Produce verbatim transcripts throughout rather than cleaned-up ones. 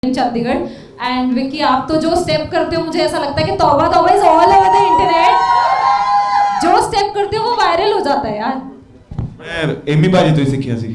Chandigarh and Vicky आप तो जो स्टेप करते हो मुझे ऐसा लगता है कि Tauba Tauba is all over the internet. जो स्टेप करते हो वो वायरल हो जाता है यार। ਮੈਂ ਐਮੀ ਬਾਜੀ ਤੋਂ ਹੀ ਸਿੱਖਿਆ ਸੀ।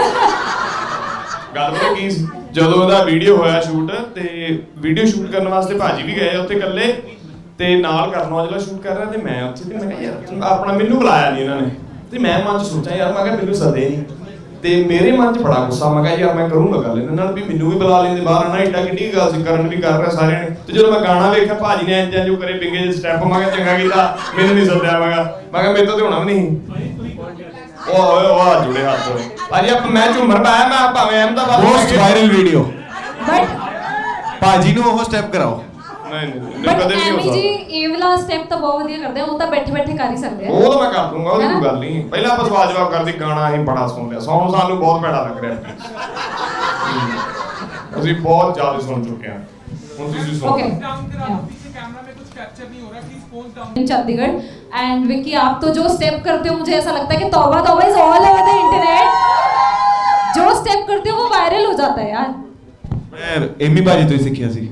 ਗੱਲ ਪਤਾ ਕੀ ਸੀ, ਜਦੋਂ ਉਹਦਾ ਵੀਡੀਓ ਹੋਇਆ ਸ਼ੂਟ ਤੇ ਵੀਡੀਓ ਸ਼ੂਟ ਕਰਨ ਵਾਸਤੇ ਭਾਜੀ ਵੀ ਗਏ ਉੱਥੇ ਇਕੱਲੇ ਤੇ ਨਾਲ ਕਰਨ ਔਜਲਾ ਸ਼ੂਟ ਕਰ ਰਿਹਾ ਤੇ ਮੈਂ ਉੱਥੇ ਤੇ ਮੈਂ ਕਿਹਾ ਯਾਰ ਆਪਣਾ ਮੈਨੂੰ ਬੁਲਾਇਆ ਨਹੀਂ ਇਹਨਾਂ ਨੇ ਤੇ ਮੈਂ ਮਨ ਚ ਸੋਚਿਆ ਯਾਰ ਮੈਂ ਕਿਹਾ ਮੈਨੂੰ ਸੱਦੇ ਨਹੀਂ ਤੇ ਮੇਰੇ ਮਨ ਚ ਬੜਾ ਗੁੱਸਾ ਮੈਂ ਕਿਹਾ ਯਾਰ ਮੈਂ ਕਰੂੰਗਾ ਗੱਲ ਇਹਨਾਂ ਨਾਲ ਵੀ ਮੈਨੂੰ ਵੀ ਬੁਲਾ ਲੈਂਦੇ ਬਾਹਰ ਆਣਾ ਏਡਾ ਕਿੱਡੀ ਗੱਲ ਸੀ ਕਰਨ ਵੀ ਕਰ ਰਿਹਾ ਸਾਰਿਆਂ ਨੇ ਤੇ ਜਦੋਂ ਮੈਂ ਗਾਣਾ ਵੇਖਿਆ ਭਾਜੀ ਨੇ ਇੰਜ ਜੋ ਕਰੇ ਪਿੰਗੇ ਜਿਹੇ ਸਟੈਪ ਮੈਂ ਕਿਹਾ ਚੰਗਾ ਕੀਤਾ ਮੈਨੂੰ ਨਹੀਂ ਸੱਦਿਆ ਮੈਂ ਕਿਹਾ ਮੈਂ ਕਿਹਾ ਮੇਰੇ ਤੋਂ ਤੇ ਹੋਣਾ ਵੀ ਨਹੀਂ। ਉਹ ਓਏ ਉਹ ਜੁੜੇ ਹੱਥ ਹੋਏ ਭਾਜੀ ਆਪ ਮੈਂ ਝੂਮਰ ਪਾਇਆ ਮੈਂ ਭਾਵੇਂ Ahmedabad most viral video but ਭਾਜੀ ਨੂੰ ਉਹ ਸਟੈਪ ਕਰਾਓ। ਨਹੀਂ ਨਹੀਂ बट ਕਦੇ ਵੀ ਹੋ ਐਮੀ ਸਕਦਾ ਜੀ ਇਹ ਵਾਲਾ ਸਟੈਪ ਤਾਂ ਬਹੁਤ ਵਧੀਆ ਕਰਦੇ ਆ, ਉਹ ਤਾਂ ਬੈਠੇ ਬੈਠੇ ਕਰ ਹੀ ਸਕਦੇ ਆ। ਉਹ ਤਾਂ ਮੈਂ ਕਰ ਦੂੰਗਾ ਉਹਦੀ ਕੋਈ ਗੱਲ ਨਹੀਂ। ਪਹਿਲਾਂ ਆਪਾਂ ਸਵਾਲ ਜਵਾਬ ਕਰਦੇ ਗਾਣਾ ਅਸੀਂ ਬੜਾ ਸੁਣ ਲਿਆ ਸੌਂ ਸਾਨੂੰ ਬਹੁਤ ਭੈੜਾ ਲੱਗ ਰਿਹਾ ਅਸੀਂ ਬਹੁਤ ਜ਼ਿਆਦਾ ਸੁਣ ਚੁੱਕੇ ਹਾਂ ਹੁਣ ਤੁਸੀਂ ਸੁਣੋ। ओके कैमरा में कुछ कैप्चर नहीं हो रहा, please phone down. Chandigarh and Vicky आप तो जो स्टेप करते हो मुझे ऐसा लगता है कि Tauba Tauba is all over the internet. जो स्टेप करते हो वो वायरल हो जाता है यार। ਮੈਂ ਐਮੀ ਬਾਜੀ ਤੋਂ ਹੀ ਸਿੱਖਿਆ ਸੀ।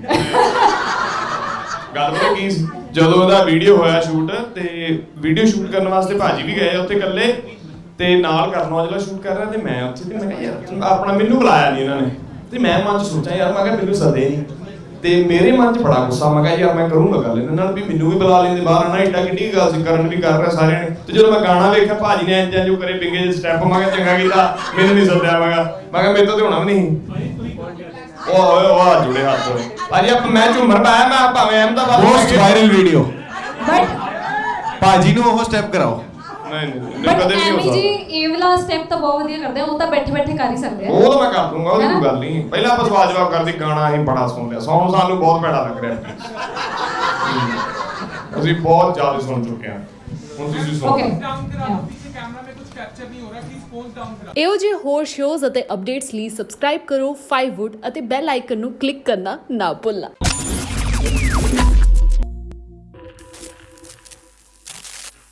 ਗੱਲ ਪਤਾ ਕੀ ਸੀ, ਜਦੋਂ ਉਹਦਾ ਵੀਡੀਓ ਹੋਇਆ ਸ਼ੂਟ ਤੇ ਵੀਡੀਓ ਸ਼ੂਟ ਕਰਨ ਵਾਸਤੇ ਭਾਜੀ ਵੀ ਗਏ ਉੱਥੇ ਇਕੱਲੇ ਤੇ ਨਾਲ ਕਰਨ ਔਜਲਾ ਸ਼ੂਟ ਕਰ ਰਿਹਾ ਤੇ ਮੈਂ ਉੱਥੇ ਤੇ ਮੈਂ ਕਿਹਾ ਯਾਰ ਆਪਣਾ ਮੈਨੂੰ ਬੁਲਾਇਆ ਨਹੀਂ ਇਹਨਾਂ ਨੇ ਤੇ ਮੈਂ ਮਨ ਚ ਸੋਚਿਆ ਯਾਰ ਮੈਂ ਕਿਹਾ ਮੈਨੂੰ ਸੱਦੇ ਨਹੀਂ ਤੇ ਮੇਰੇ ਮਨ ਚ ਬੜਾ ਗੁੱਸਾ ਮੈਂ ਕਿਹਾ ਯਾਰ ਮੈਂ ਕਰੂੰਗਾ ਗੱਲ ਇਹਨਾਂ ਨਾਲ ਵੀ ਮੈਨੂੰ ਵੀ ਬੁਲਾ ਲੈਂਦੇ ਬਾਹਰ ਆਣਾ ਏਡਾ ਕਿੱਡੀ ਗੱਲ ਸੀ ਕਰਨ ਵੀ ਕਰ ਰਿਹਾ ਸਾਰਿਆਂ ਨੇ ਤੇ ਜਦੋਂ ਮੈਂ ਗਾਣਾ ਵੇਖਿਆ ਭਾਜੀ ਨੇ ਇੰਜ ਜੋ ਕਰੇ ਪਿੰਗੇ ਜਿਹੇ ਸਟੈਪ ਮੈਂ ਕਿਹਾ ਚੰਗਾ ਕੀਤਾ ਮੈਨੂੰ ਨਹੀਂ ਸੱਦਿਆ ਮੈਂ ਕਿਹਾ ਮੈਂ ਕਿਹਾ ਮੇਰੇ ਤੋਂ ਤੇ ਹੋਣਾ ਵੀ ਨਹੀਂ। ਉਹ ਓਏ ਉਹ ਜੁੜੇ ਹੱਥ ਹੋਏ ਭਾਜੀ ਆਪ ਮੈਂ ਝੂਮਰ ਪਾਇਆ ਮੈਂ ਭਾਵੇਂ Ahmedabad most viral video but ਭਾਜੀ ਨੂੰ ਉਹ ਸਟੈਪ ਕਰਾਓ। ਨਹੀਂ ਨਹੀਂ बट ਕਦੇ ਵੀ ਹੋ ਐਮੀ ਜੀ ਸਕਦਾ ਇਹ ਵਾਲਾ ਸਟੈਪ ਤਾਂ ਬਹੁਤ ਵਧੀਆ ਕਰਦੇ ਆ, ਉਹ ਤਾਂ ਬੈਠੇ ਬੈਠੇ ਕਰ ਹੀ ਸਕਦੇ ਆ। ਉਹ ਤਾਂ ਮੈਂ ਕਰ ਦੂੰਗਾ ਉਹਦੀ ਕੋਈ ਗੱਲ ਨਹੀਂ। ਪਹਿਲਾਂ ਆਪਾਂ ਸਵਾਲ ਜਵਾਬ ਕਰਦੇ ਗਾਣਾ ਅਸੀਂ ਬੜਾ ਸੁਣ ਲਿਆ ਸੌਂ ਸਾਨੂੰ ਬਹੁਤ ਭੈੜਾ ਲੱਗ ਰਿਹਾ ਅਸੀਂ ਬਹੁਤ ਜ਼ਿਆਦਾ ਸੁਣ ਚੁੱਕੇ ਹਾਂ ਹੁਣ ਤੁਸੀਂ ਸੁਣੋ। ओके डाउन करा दो, पीछे कैमरा में कुछ कैप्चर नहीं हो रहा, प्लीज फोन डाउन करा। ਇਹੋ ਜਿਹੇ ਹੋਰ ਸ਼ੋਜ਼ ਅਤੇ ਅਪਡੇਟਸ ਲਈ ਸਬਸਕ੍ਰਾਈਬ ਕਰੋ ਫਾਈਵ ਵੁੱਡ ਅਤੇ ਬੈਲ ਆਈਕਨ ਨੂੰ ਕਲਿੱਕ ਕਰਨਾ ਨਾ ਭੁੱਲਣਾ।